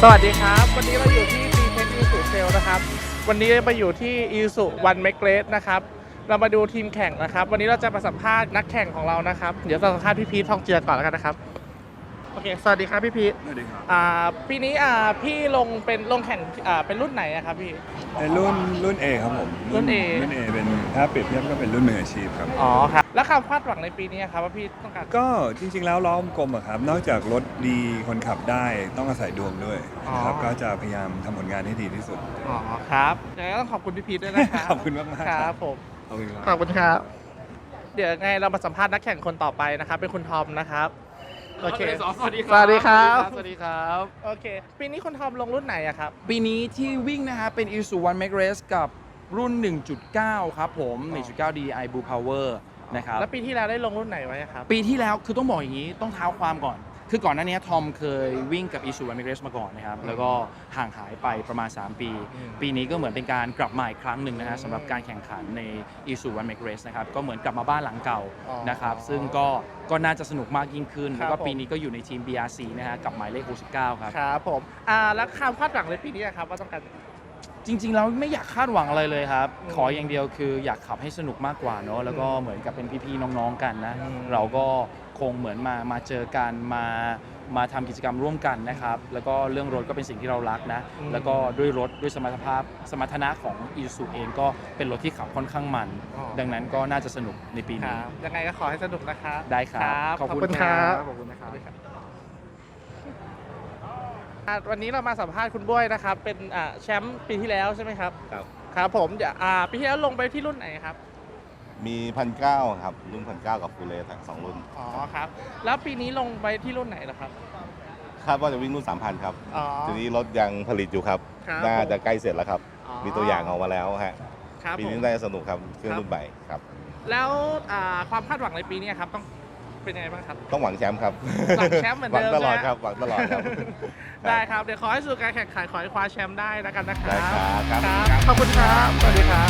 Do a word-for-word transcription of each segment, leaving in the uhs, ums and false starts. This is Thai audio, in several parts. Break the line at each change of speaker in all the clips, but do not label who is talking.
สวัสดีครับวันนี้เราอยู่ที่ ซี เทค Isuzu Sale นะครับวันนี้มาอยู่ที่ Isuzu One Make Race นะครับเรามาดูทีมแข่งนะครับวันนี้เราจะมาสัมภาษณ์นักแข่งของเรานะครับเดี๋ยวเราสัมภาษณ์พี่พีททองเจือก่อนแล้วกันนะครับโอเคสวัสดีครับพี่พีท
สวัสดีครับ
อ่าปีนี้อ่าพี่ลงเป็นลงแข่งอ่าเป็นรุ่นไหนอะครับพี่
เป็นรุ่นรุ่น A ครับผม
รุ่น A
รุ่น A เป็นถ้าเปรียบเทียบก็เป็นรุ่นมืออาชีพครับ
อ๋อครับแล้วความคาดหวังในปีนี้ครับว่าพี่ต้องการ
ก็จริงๆแล้วล้อมกลมอะครับนอกจากรถดีคนขับได้ต้องอาศัยดวงด้วยนะครับก็จะพยายามทำผลงานให้ดีที่สุด
อ๋อครับยังไงต้องขอบคุณพี่พีทด้วยนะครับ
ขอบคุณมากๆ
ครับผม
ขอบคุณครับ
ขอบคุณครับเดี๋ยวไงเรามาสัมภาษณ์นักแข่งคนต่อไปนะครับเป็นคุณทอมนะครับโอเค
สวัสดีครับ
สวัสดีครับ
สวัสดีครับ
โอเคปีนี้คุณทอมลงรุ่นไหนอะครับ
ปีนี้ที่วิ่งนะฮะเป็น Isuzu One Make Race กับรุ่น หนึ่งจุดเก้า ครับผม หนึ่งจุดเก้า ดี ไอ Blue Power นะครับ
แล้วปีที่แล้วได้ลงรุ่นไหนไว้ครับ
ปีที่แล้วคือต้องบอกอย่างนี้ต้องเท้าความก่อน คือก่อนหน้านี้ทอมเคยวิ่งกับ Isuzu One Make Race มาก่อนนะครับแล้วก็ห่างหายไปประมาณ สาม ปี ปีนี้ก็เหมือนเป็นการกลับมาอีกครั้งหนึ่งนะฮะสำหรับการแข่งขันใน Isuzu One Make Race นะครับก็เหมือนกลับมาบ้านหลังเก่านะครับซึ่งก็ก็น่าจะสนุกมากยิ่งขึ้นแล้วก็ปีนี้ก็อยู่ในทีม บี อาร์ ซี นะฮะกับหมายเลขหกสิบเก้าครับ
ครับผมอ่าแล้วคำคาดหวังในปีนี้ครับว่าต้องการ
จริงๆแล้วไม่อยากคาดหวังอะไรเลยครับขออย่างเดียวคืออยากขับให้สนุกมากกว่าเนอะแล้วก็เหมือนกับเป็นพี่ๆน้องๆกันนะเราก็คงเหมือนมามาเจอกันมามาทำกิจกรรมร่วมกันนะครับแล้วก็เรื่องรถก็เป็นสิ่งที่เรารักนะแล้วก็ด้วยรถด้วยสมรรถภาพสมรรถนะของ Isuzu เองก็เป็นรถที่ขับค่อนข้างมันดังนั้นก็น่าจะสนุกในปีนี้
ยังไงก็ขอให้สนุกนะครับ
ได้ครับ
ขอบคุณครับ
ขอบคุณนะครับ
วันนี้เรามาสัมภาษณ์คุณบ้วยนะครับเป็นแชมป์ปีที่แล้วใช่ไหมครับ
ครับ
ครับผมปีที่แล้วลงไปที่รุ่นไหนครับ
มีพันเก้าครับรุ่นพันเก้ากับฟูลเลทั้งสองรุ่น
อ๋อครับแล้วปีนี้ลงไปที่รุ่นไหนล่ะครับ
คาดว่าจะวิ่งรุ่นสามพันครับทีนี้รถยังผลิตอยู่ครับน่าจะใกล้เสร็จแล้วครับมีตัวอย่างออกมาแล้วฮะปีนี้น่าจะสนุกครับเครื่องรุ่นใหม่ครับ
แล้วความคาดหวังในปีนี้ครับต้องเป็นยังไงบ้างครับ
ต้องหวังแชมป์ครับ
หวังแชมป์เหมือนเดิม
หวังตลอดครับหวังตลอดครับ
ได้ครับเดี๋ยวขอให้สู่การแข่งขันขอให้คว้าแชมป์ได้แล้วกันนะครับ
ได้ครับ
ขอบคุณครับสวัสดีครับ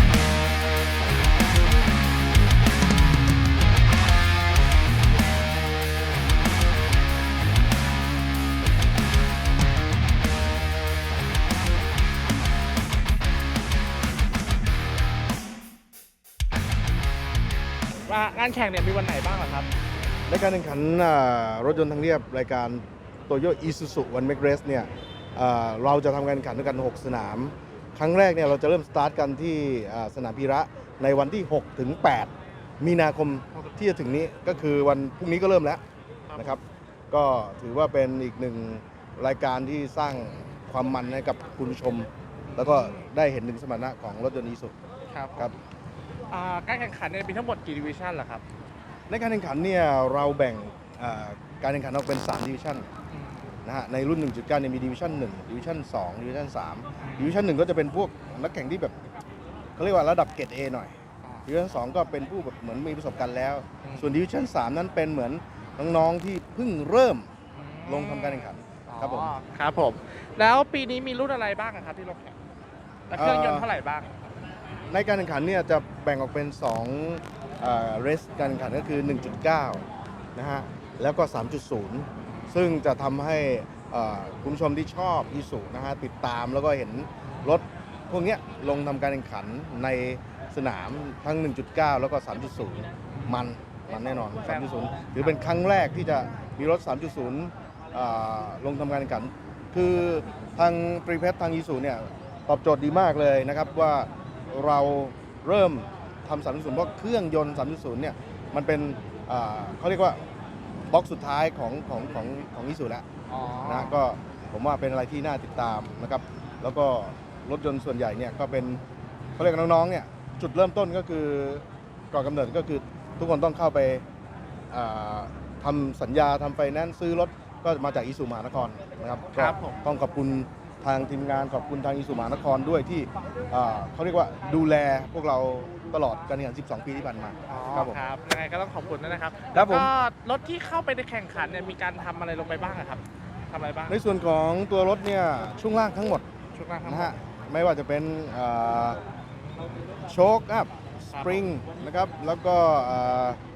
งานแข่งเนี่ยมีวันไหนบ้างครับ
ในการแข่งขันรถยนต์ทางเรียบรายการโตโยต้ Isuzu One Make Race เนี่ยเราจะทำการแข่งขันด้วยกันหกสนามครั้งแรกเนี่ยเราจะเริ่มสตาร์ทกันที่สนามพีระในวันที่หกถึงแปดมีนาคมที่จะถึงนี้ก็คือวันพรุ่งนี้ก็เริ่มแล้วนะครับก็ถือว่าเป็นอีกหนึ่งรายการที่สร้างความมันให้กับคุณผู้ชมแล้วก็ได้เห็นถึงสมรรถนะของรถยนต์ Isuzu
ครับครับการแข่งขันเนี่ยมีทั้งหมดกี่ดิวิชั่นล่ะครับ
ในการแข่งขันเนี่ยเราแบ่งการแข่งขันออกเป็นสามดิวิชั่นนะฮะในรุ่น หนึ่งจุดเก้า เนี่ยมีดิวิชั่นหนึ่งดิวิชั่นสองดิวิชั่นสามดิวิชั่นหนึ่งก็จะเป็นพวกนักแข่งที่แบบเขาเรียกว่าระดับเกรด A หน่อยดิวิชั่นสองก็เป็นผู้แบบเหมือนมีประสบการณ์แล้วส่วนดิวิชั่นสามนั้นเป็นเหมือนน้องๆที่เพิ่งเริ่มลงทำการแข่งขันครับผม
ครับผมแล้วปีนี้มีรุ่นอะไรบ้างครับที่ลงแข่งและเครื่องยนต์เท่าไหร่บ้าง
ในการแข่งขันเนี่ยจะแบ่งออกเป็นสองเรสการแข่งขันก็คือ หนึ่งจุดเก้า นะฮะแล้วก็ สามจุดศูนย์ ซึ่งจะทำให้คุณผู้ชมที่ชอบ Isuzu นะฮะติดตามแล้วก็เห็นรถพวกนี้ลงทำการแข่งขันในสนามทั้ง หนึ่งจุดเก้า แล้วก็ สามจุดศูนย์ มันมันแน่นอน สามจุดศูนย์ ถือเป็นครั้งแรกที่จะมีรถ สามจุดศูนย์ ลงทำการแข่งขันคือทางตรีเพชรทาง Isuzu เนี่ยตอบโจทย์ดีมากเลยนะครับว่าเราเริ่มทำ สามจุดศูนย์ เพราะเครื่องยนต์ สามจุดศูนย์ เนี่ยมันเป็นเขาเรียกว่าบล็อกสุดท้ายของของของของIsuzuแล้วนะก็ผมว่าเป็นอะไรที่น่าติดตามนะครับแล้วก็รถยนต์ส่วนใหญ่เนี่ยก็เป็นเขาเรียกน้องๆเนี่ยจุดเริ่มต้นก็คือก่อนกำเนิดก็คือทุกคนต้องเข้าไปทำสัญญาทำไฟแนนซ์ซื้อรถก็มาจากIsuzuมหานครนะครับก็ต้องขอบคุณทางทีมงานขอบคุณทางIsuzuมหานครด้วยที่เขาเรียกว่าดูแลพวกเราตลอดการแข่งขันสิบสองปีที่ผ่านมา
ครับผมยังไงก็ต้องขอบคุณนะครับ
แล้วก็
รถที่เข้าไปในแข่งขันเนี่ยมีการทำอะไรลงไปบ้างครับทำอะไรบ้าง
ในส่วนของตัวรถเนี่ยช่วงล่างทั้งหมด
ช่วงล่าง
นะฮะไม่ว่าจะเป็นโชคอัพสปริงนะครับแล้วก็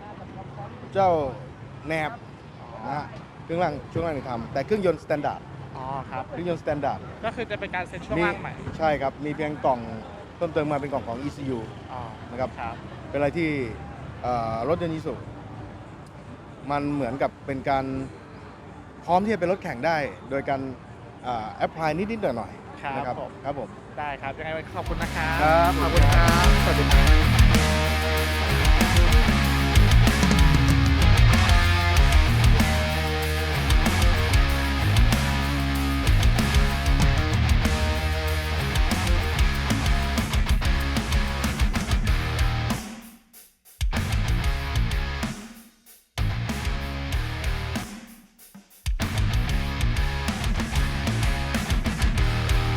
เจ้าแหนบนะฮะเครื่องล่างช่วงล่างนี่ทำแต่เครื่องยนต์สแตนดาร์ด
อ๋อครับ
เครื่องยนต์สแตนดาร์ด
ก็คือจะเป็นการเซ็ตช่วง
มี
ล่างใหม่
ใช่ครับ มีเพียงกล่องเพิ่มเติมมาเป็นกล่องของ อี ซี ยู
อ๋อ
นะครับ
ครับ
เป็นอะไรที่เอ่อรถยนต์อีซูมันเหมือนกับเป็นการพร้อมที่จะเป็นรถแข่งได้ โดยการแอพพลายนิดๆหน่อย
ครับ
ๆนะครับ
ผม
ครับผม
ได้ครับ ยังไงวันนี้ขอบคุณนะครับ
ครับ
ขอบคุณครับ สวัสดีครับ